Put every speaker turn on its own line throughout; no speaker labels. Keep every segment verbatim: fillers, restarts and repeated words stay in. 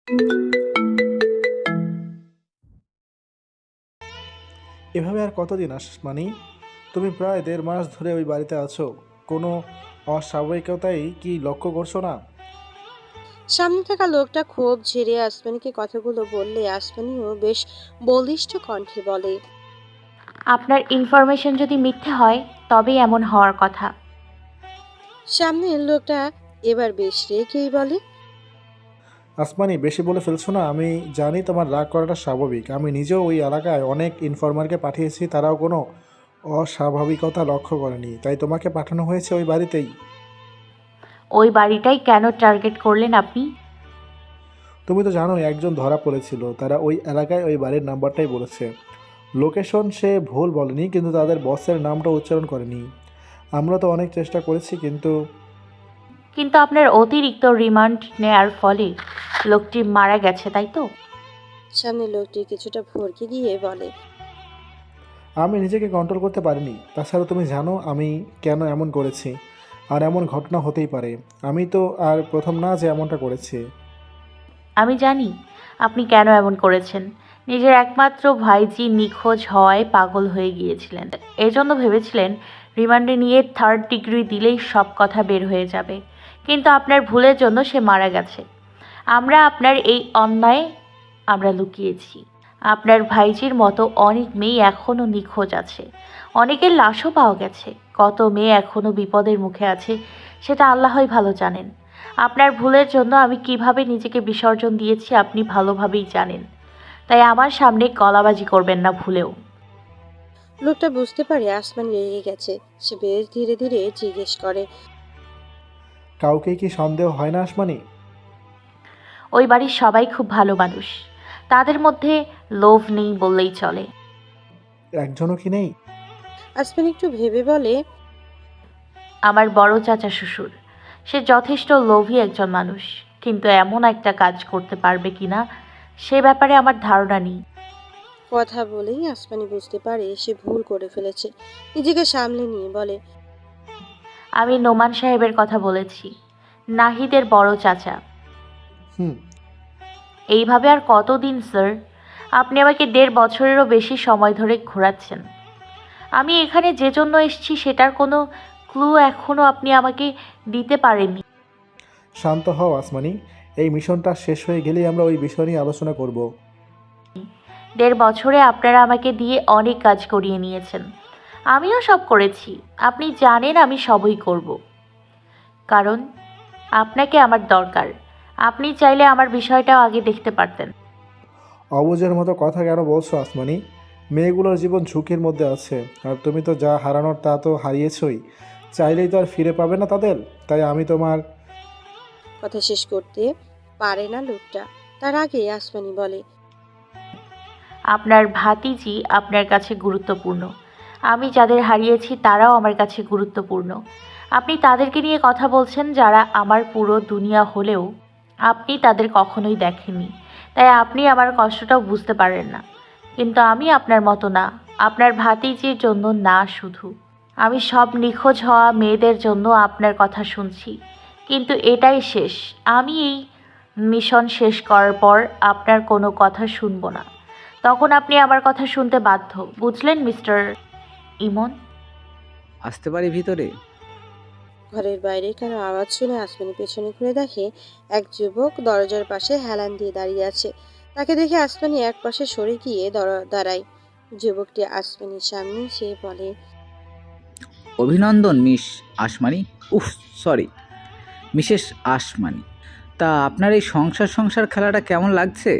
এভাবে আর কতদিন আসমানি? তুমি প্রায় দেড় মাস ধরে ওই বাড়িতে আছো। কোনো অস্বাভাবিকতাই কি লক্ষ্য করছো না?
সামনে থাকা লোকটা ক্ষোভ ঝেড়ে আসমানিকে কথাগুলো বললে আসমানিও বেশ বলিষ্ঠ কণ্ঠে বলে।
আপনার ইনফরমেশন যদি মিথ্যে হয় তবেই এমন হওয়ার কথা।
সামনের লোকটা এবার বেশ রেগেই বলে।
আসমানি, বেশি বলে ফেলছো না? আমি জানি তোমার রাগ করাটা স্বাভাবিক। আমি নিজেও ওই এলাকায় অনেক ইনফরমারকে পাঠিয়েছি, তারাও কোনো অস্বাভাবিকতা লক্ষ্য করেনি, তাই তোমাকে পাঠানো হয়েছে ওই বাড়িতেই।
ওই বাড়িটাই কেন টার্গেট করলেন আপনি?
তুমি তো জানোই একজন ধরা পড়েছিল, তারা ওই এলাকায় ওই বাড়ির নাম্বারটাই বলেছে। লোকেশন সে ভুল বলেনি, কিন্তু তাদের বসের নামটা উচ্চারণ করেনি। আমরা তো অনেক চেষ্টা করেছি, কিন্তু
কিন্তু আপনার অতিরিক্ত রিমান্ড নেয়ার ফলে লোকটি মারা গেছে, তাই তো?
সামনের লোকটি কিছুটা ভরকে গিয়ে বলে।
আমি নিজেকে কন্ট্রোল করতে পারিনি। তাছাড়া তুমি জানো আমি কেন এমন করেছি, আর এমন ঘটনা হতেই পারে। আমি তো আর প্রথম না যে এমনটা করেছি।
আমি জানি আপনি কেন এমন করেছেন। নিজের একমাত্র ভাইজি নিখোঁজ হওয়ায় পাগল হয়ে গিয়েছিলেন, এজন্য ভেবেছিলেন রিমান্ডে নিয়ে থার্ড ডিগ্রি দিলেই সব কথা বের হয়ে যাবে। কিন্তু আপনার ভুলের জন্য সে মারা গেছে। আমরা আপনার এই অন্যায় আমরা লুকিয়েছি। আপনার ভাইজির মতো অনেক মেয়ে এখনও নিখোঁজ আছে, অনেকের লাশও পাওয়া গেছে। কত মেয়ে এখনও বিপদের মুখে আছে সেটা আল্লাহই ভালো জানেন। আপনার ভুলের জন্য আমি কিভাবে নিজেকে বিসর্জন দিয়েছি আপনি ভালোভাবেই জানেন। তাই আমার সামনে গলাবাজি করবেন না ভুলেও।
লোকটা বুঝতে পারে আসমানি রেগে গেছে। সে বেশ ধীরে ধীরে জিজ্ঞেস করে।
কাউকেই কি সন্দেহ হয় না আসমানি?
ওই বাড়ির সবাই খুব ভালো মানুষ, তাদের মধ্যে লোভ নেই বললেই চলে।
একজনও কি নেই?
আসমানি একটু ভেবে বলে।
আমার বড় চাচা শ্বশুর, সে যথেষ্ট লোভী একজন মানুষ, কিন্তু এমন একটা কাজ করতে পারবে কিনা সে ব্যাপারে আমার ধারণা নেই।
কথা বলেই আসমানি বুঝতে পারে সে ভুল করে ফেলেছে। নিজেকে সামলে নিয়ে বলে।
আমি নোমান সাহেবের কথা বলেছি, নাহিদের বড় চাচা।
হুম।
এইভাবে আর কতদিন স্যার? আপনি আমাকে দেড় বছরেরও বেশি সময় ধরে ঘোরাচ্ছেন। আমি এখানে যে জন্য এসেছি সেটার কোনো ক্লু এখনও আপনি আমাকে দিতে পারেননি।
শান্ত হও আসমানি। এই মিশনটা শেষ হয়ে গেলেই আমরা ওই বিষয় নিয়ে আলোচনা করব।
দেড় বছরে আপনারা আমাকে দিয়ে অনেক কাজ করিয়ে নিয়েছেন, আমিও সব করেছি। আপনি জানেন আমি সবই করব, কারণ আপনাকে আমার দরকার। আপনি চাইলে আমার বিষয়টাও আগে দেখতে পারতেন।
অবুঝের মতো কথা কেন বলছো আসমানি? মেয়েগুলোর জীবন ঝুঁকির মধ্যে আছে, আর তুমি তো যা হারানোর তা তো হারিয়েছই। চাইলেই তো আর ফিরে পাবে না তাদের। তাই আমি তোমার
কথা শেষ করতে পারে না লোকটা, তার আগে আসমানি বলে।
আপনার ভাতিজি আপনার কাছে গুরুত্বপূর্ণ, আমি যাদের হারিয়েছি তারাও আমার কাছে গুরুত্বপূর্ণ। আপনি তাদেরকে নিয়ে কথা বলছেন যারা আমার পুরো দুনিয়া হলেও আপনি তাদের কখনোই দেখেননি, তাই আপনি আমার কষ্টটাও বুঝতে পারেন না। কিন্তু আমি আপনার মতো না, আপনার ভাতিজির জন্য না শুধু, আমি সব নিখোঁজ হওয়া মেয়েদের জন্য আপনার কথা শুনছি। কিন্তু এটাই শেষ। আমি এই মিশন শেষ করার পর আপনার কোনো কথা শুনবো না। তখন আপনি আমার কথা শুনতে বাধ্য, বুঝলেন মিস্টার ইমন?
আসতে পারি ভিতরে?
ঘরের বাইরে কারো আওয়াজ শুনে আসমানি পেছনে ঘুরে দেখে এক যুবক দরজার পাশে হেলান দিয়ে দাঁড়িয়ে আছে। তাকে দেখে আসমানি এক পাশে সরে গিয়ে দর- দাঁড়ায়। যুবকটি আসমানির সামনে সে বলে।
অভিনন্দন মিস আসমানি। উফ, সরি, মিসেস আসমানি। তা আপনার এই সংসার সংসার খেলাটা কেমন লাগছে?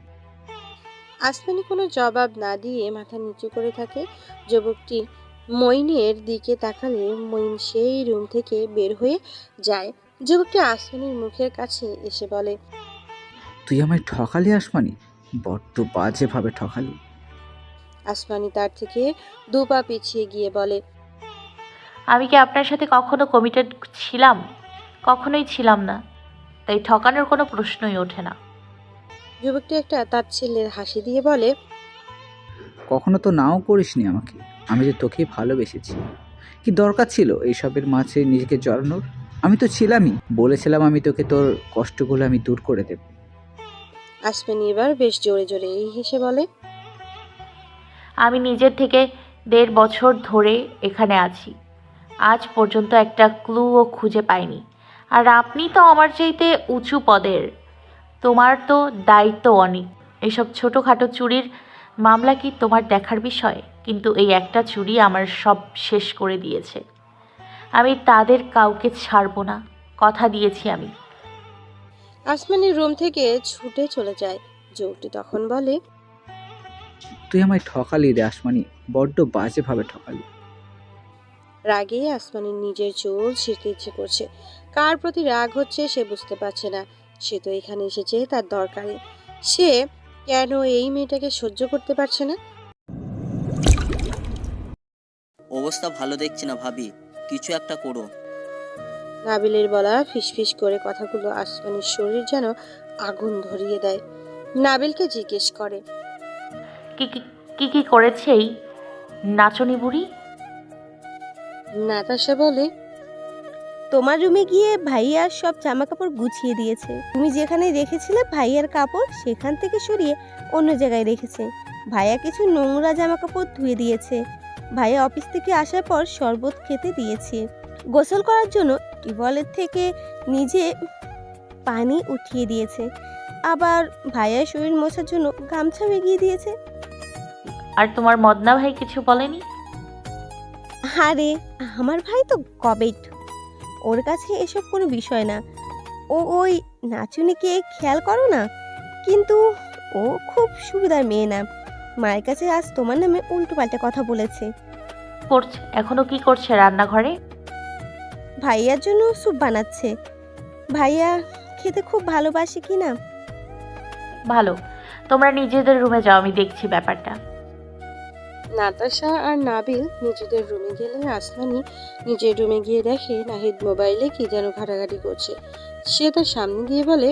আসমানি কোনো জবাব না দিয়ে মাথা নিচু করে থাকে। যুবকটি মইনের দিকে তাকালে মইন সেই রুম থেকে বের হয়ে যায়। যুবকটি আসমানির মুখের কাছে এসে বলে।
তুই আমায় ঠকালি আসমানি, বড্ড বাজেভাবে ঠকালি।
আসমানি তার থেকে দু পা পিছিয়ে গিয়ে বলে।
আমি কি আপনার সাথে কখনো কমিটেড ছিলাম? কখনোই ছিলাম না, তাই ঠকানোর কোনো প্রশ্নই ওঠে না।
যুবকটি একটা তাচ্ছিল্যের হাসি দিয়ে বলে।
কখনো তো নাও করিসনি আমাকে, আমি যে তোকে ভালোবেসেছি। কি দরকার ছিল এইসবের মাঝে নিজেকে জড়ানোর? আমি তো ছিলামই, বলেছিলাম আমি তোকে তোর কষ্টগুলো আমি দূর করে দেব।
আসমানি এবার বেশ জোরে জোরে এই হেসে বলে,
আমি নিজের থেকে দেড় বছর ধরে এখানে আছি, আজ পর্যন্ত একটা ক্লুও খুঁজে পাইনি। আর আপনি তো আমার চাইতে উঁচু পদের, তোমার তো দায়িত্ব অনেক। এসব ছোটোখাটো চুরির মামলা কি তোমার দেখার বিষয়? কিন্তু এই একটা চুরি আমার সব শেষ করে দিয়েছে। আমি তাদের কাউকে ছাড়বো না, কথা দিয়েছি আমি।
আসমানি রুম থেকে ছুটে চলে যায়। যুবকটি তখন বলে,
তুই আমায় ঠকালি রে আসমানি, বড্ড বাজেভাবে ঠকালি।
রাগে আসমানির নিজের চুল ছিঁড়তে ইচ্ছে করছে। কার প্রতি রাগ হচ্ছে সে বুঝতে পারছে না। সে তো এখানে এসেছে তার দরকারে। সে কেন এই মেয়েটাকে সহ্য করতে পারছে না?
অবস্থা ভালো দেখছি না ভাবি, কিছু একটা করো।
নাবিলের বলা ফিসফিস করে কথাগুলো আসমানির শরীর যেন আগুন ধরিয়ে দেয়। নাবিলকে জিজ্ঞেস করে,
কি কি কি কি করেছে এই নাচনি বুড়ি?
নাতাশা বলে,
তোমার রুমে গিয়ে ভাইয়ার সব জামা কাপড় গুছিয়ে দিয়েছে। তুমি যেখানে রেখেছিলে ভাইয়ার কাপড় সেখান থেকে সরিয়ে অন্য জায়গায় রেখেছে। ভাইয়া কিছু নোংরা জামা কাপড় ধুয়ে দিয়েছে। ভাইয়া অফিস থেকে আসার পর শরবত খেতে দিয়েছে। গোসল করার জন্য টিউবওয়েলের থেকে নিজে পানি উঠিয়ে দিয়েছে। আবার ভাইয়ার শরীর মোছার জন্য গামছা এগিয়ে দিয়েছে।
আর তোমার মদনা ভাই কিছু বলেনি?
আরে আমার ভাই তো কবেট, ওর কাছে এসব কোনো বিষয় না। ও ওই নাচুনিকে খেয়াল করো না, কিন্তু ও খুব সুবিধার মেয়ে না। মায়ের কাছে আজ তোমার নামে উল্টো পাল্টা কথা বলেছে।
করছে এখনো কি করছে রান্নাঘরে?
ভাইয়ার জন্য স্যুপ বানাচ্ছে। ভাইয়া খেতে খুব ভালোবাসে কি না।
ভালো, তোমরা নিজেদের রুমে যাও, আমি দেখছি ব্যাপারটা।
নাতাশা আর নাবিল নিজেদের রুমে গেলে আসমানি নিজের রুমে গিয়ে দেখে নাহিদ মোবাইলে কি যেন ঘাটাঘাটি করছে। সে তার সামনে গিয়ে বলে,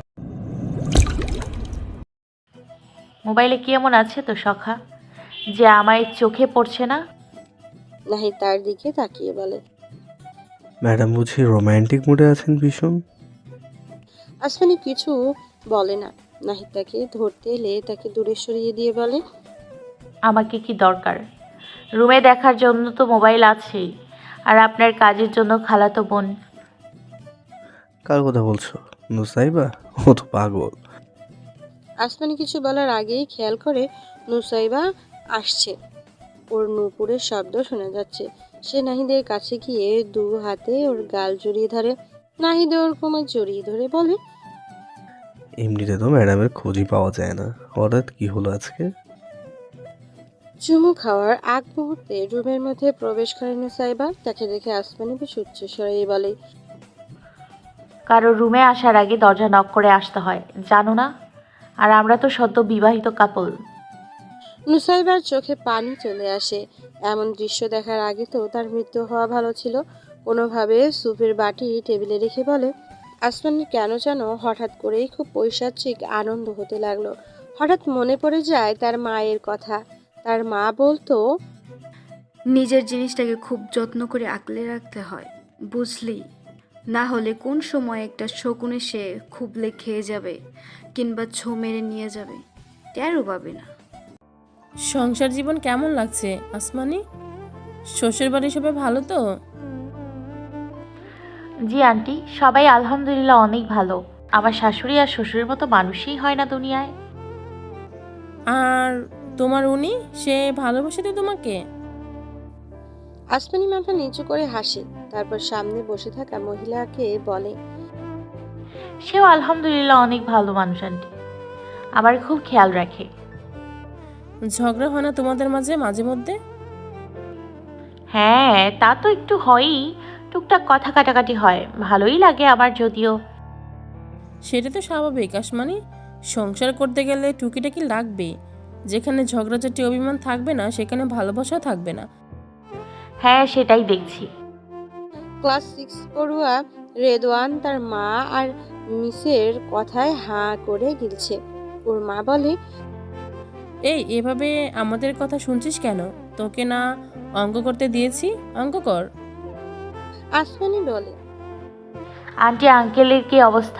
মোবাইলে কি এমন আছে তো সখা যে আমায় চোখে পড়ছে না?
নাহিদ তার দিকে তাকিয়ে বলে,
ম্যাডাম বুঝি রোমান্টিক মুডে আছেন ভীষণ?
আসমানি কিছু বলে না। নাহিদ তাকে ধরতে এলে তাকে দূরে সরিয়ে দিয়ে বলে,
আমাকে কি দরকার? রুমে দেখার জন্য তো মোবাইল আছেই, আর আপনার কাজের জন্য খালাতো বোন।
কার কথা বলছো? নুসাইবা? ও তো পাগল।
আসমানি কিছু বলার আগেই খেয়াল করে নুসাইবা আসছে। ওর নূপুরের শব্দ শোনা যাচ্ছে। সে নাহিদের কাছে গিয়ে দু হাতে ওর গাল জড়িয়ে ধরে। নাহিদ ওর কোমর জড়িয়ে ধরে বলে,
এমনিতে তো ম্যাডামের খোঁজই পাওয়া যায় না, হঠাৎ কি হলো আজকে?
চুমু খাওয়ার আগ মুহূর্তে রুমের মধ্যে প্রবেশ করে নুসাইবা। তাকে দেখে আসমানি বেশ উচ্চস্বরে বলে,
কারো রুমে আসার আগে দরজা নক করে আসতে হয়, জানো না? আর আমরা তো সদ্য বিবাহিত কাপল।
নুসাইবার চোখে পানি চলে আসে। এমন দৃশ্য দেখার আগে তো তার মৃত্যু হওয়া ভালো ছিল। কোনোভাবে স্যুপের বাটি টেবিলে রেখে বলে, আসমানি কেন যেন হঠাৎ করেই খুব পৈশাচিক আনন্দ হতে লাগলো। হঠাৎ মনে পড়ে যায় তার মায়ের কথা। তার মা বলতো,
নিজের জিনিসটাকে খুব যত্ন করে আগলে রাখতে হয়, বুঝলি? না হলে কোন সময় একটা শকুন এসে খুবলে খেয়ে যাবে কিংবা ছো মেরে নিয়ে যাবে, টেরও পাবে না।
সংসার জীবন কেমন লাগছে আসমানি? শ্বশুর বাড়ি সবাই ভালো তো?
জি আন্টি, সবাই আলহামদুলিল্লাহ অনেক ভালো। আমার শাশুড়ি আর শ্বশুরের মতো মানুষই হয় না দুনিয়ায়।
আর তোমার উনি, সে ভালোবাসে তো তোমাকে?
আসমানি মাথা নিচু করে হাসে। তারপর সামনে বসে থাকা মহিলাকে বলে,
সেও আলহামদুলিল্লাহ অনেক ভালো মানুষ আন্টি, আমার খুব খেয়াল রাখে।
ঝগড়া হয় না তোমাদের মাঝে মাঝে মধ্যে?
হ্যাঁ, তা তো একটু হয়ই, টুকটাক কথা কাটাকাটি হয়, ভালোই লাগে আমার যদিও।
সেটা তো স্বাভাবিক আসমানি, সংসার করতে গেলে টুকিটাকি লাগবে। যেখানে ঝগড়াঝাটি অভিমান থাকবে না সেখানে ভালোবাসা থাকবে না।
হ্যাঁ, সেটাই দেখছি।
ক্লাস সিক্স পড়ুয়া রেদওয়ান তার মা আর মিসের কথায় হাঁ করে গিলছে। ওর মা বলে,
এই এভাবে আমাদের কথা শুনছিস কেন? তোকে না অঙ্ক করতে দিয়েছি, অঙ্ক কর।
আসমানি বলে,
আন্টি আঙ্কেলের কি অবস্থা?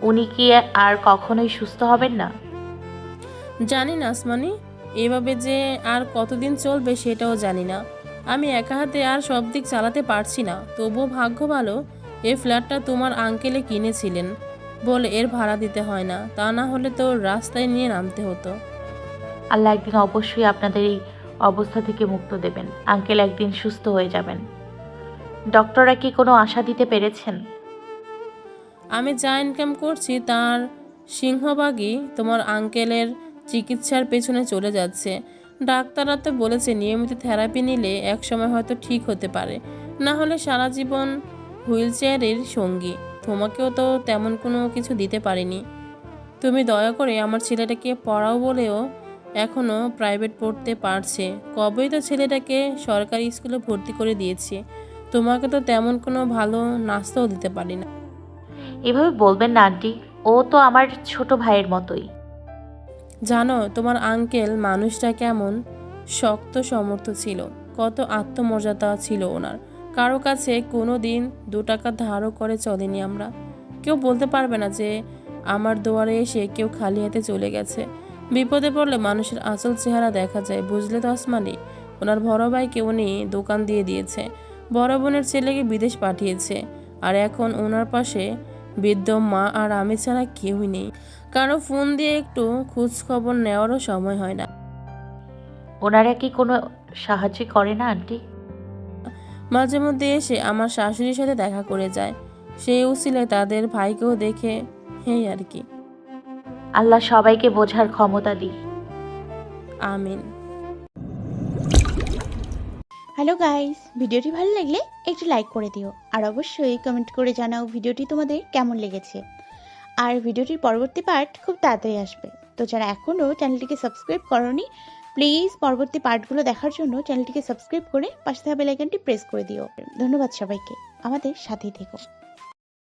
উনি কি আর কখনোই সুস্থ হবেন না?
জানি না আসমানি, এভাবে যে আর কতদিন চলবে সেটাও জানি না। আমি একা হাতে আর সব দিক চালাতে পারছি না। তবুও ভাগ্য ভালো এই ফ্ল্যাটটা তোমার আঙ্কেলে কিনেছিলেন বলে এর ভাড়া দিতে হয় না, তা না হলে তো রাস্তায় নিয়ে নামতে হতো।
আল্লাহ একদিন অবশ্যই আপনাদের এই অবস্থা থেকে মুক্ত দেবেন। আঙ্কেল একদিন সুস্থ হয়ে যাবেন। ডক্টররা কি কোনো আশা দিতে পেরেছেন?
আমি যা ইনকাম করছি তার সিংহভাগই তোমার আঙ্কেলের চিকিৎসার পেছনে চলে যাচ্ছে। ডাক্তাররা তো বলেছে নিয়মিত থেরাপি নিলে একসময় হয়তো ঠিক হতে পারে, না হলে সারা জীবন হুইল চেয়ারের সঙ্গী। তোমাকেও তো তেমন কোনো কিছু দিতে পারিনি। তুমি দয়া করে আমার ছেলেটাকে পড়াও বলেও এখনও প্রাইভেট পড়তে পারছে। কবেই তো ছেলেটাকে সরকারি স্কুলে ভর্তি করে দিয়েছি। তোমাকে তো তেমন কোনো ভালো নাস্তাও দিতে পারি না।
এভাবে বলবেন না আন্টি, ও তো আমার ছোট ভাইয়ের মতোই।
জানো তোমার আঙ্কেল মানুষটা কেমন শক্ত সমর্থ ছিল, কত আত্মমর্যাদা ছিল ওনার। কারো কাছে কোনো দিন দু টাকা ধারও করে চলেনি আমরা। কেউ বলতে পারবে না যে আমার দুয়ারে এসে কেউ খালি হাতে চলে গেছে। বিপদে পড়লে মানুষের আসল চেহারা দেখা যায়, বুঝলে তো আসমানি? ওনার বড় ভাইকে উনি দোকান দিয়ে দিয়েছে, বড় বোনের ছেলেকে বিদেশ পাঠিয়েছে, আর এখন ওনার পাশে বৃদ্ধ মা আর আমি ছাড়া কেউই নেই। কারো ফোন দিয়ে একটু খোঁজ খবর নেওয়ারও সময় হয় না।
ওনারা কি কোনো সাহায্য করে না আন্টি?
মাঝে মধ্যে এসে আমার শাশুড়ির সাথে দেখা করে যায়। সেই উসিলে তাদের ভাইকেও দেখে, এই আর কি।
আল্লাহ সবাইকে বোঝার ক্ষমতা দিই।
আমিন।
হ্যালো গাইস, ভিডিওটি ভালো লাগলে একটু লাইক করে দিও আর অবশ্যই কমেন্ট করে জানাও ভিডিওটি তোমাদের কেমন লেগেছে। আর ভিডিওটির পরবর্তী পার্ট খুব তাড়াতাড়ি আসবে, তো যারা এখনও চ্যানেলটিকে সাবস্ক্রাইব করোনি প্লিজ পরবর্তী পার্টগুলো দেখার জন্য চ্যানেলটিকে সাবস্ক্রাইব করে পাশে থাকা বেল আইকনটি প্রেস করে দিও। ধন্যবাদ সবাইকে, আমাদের সাথেই থেকো।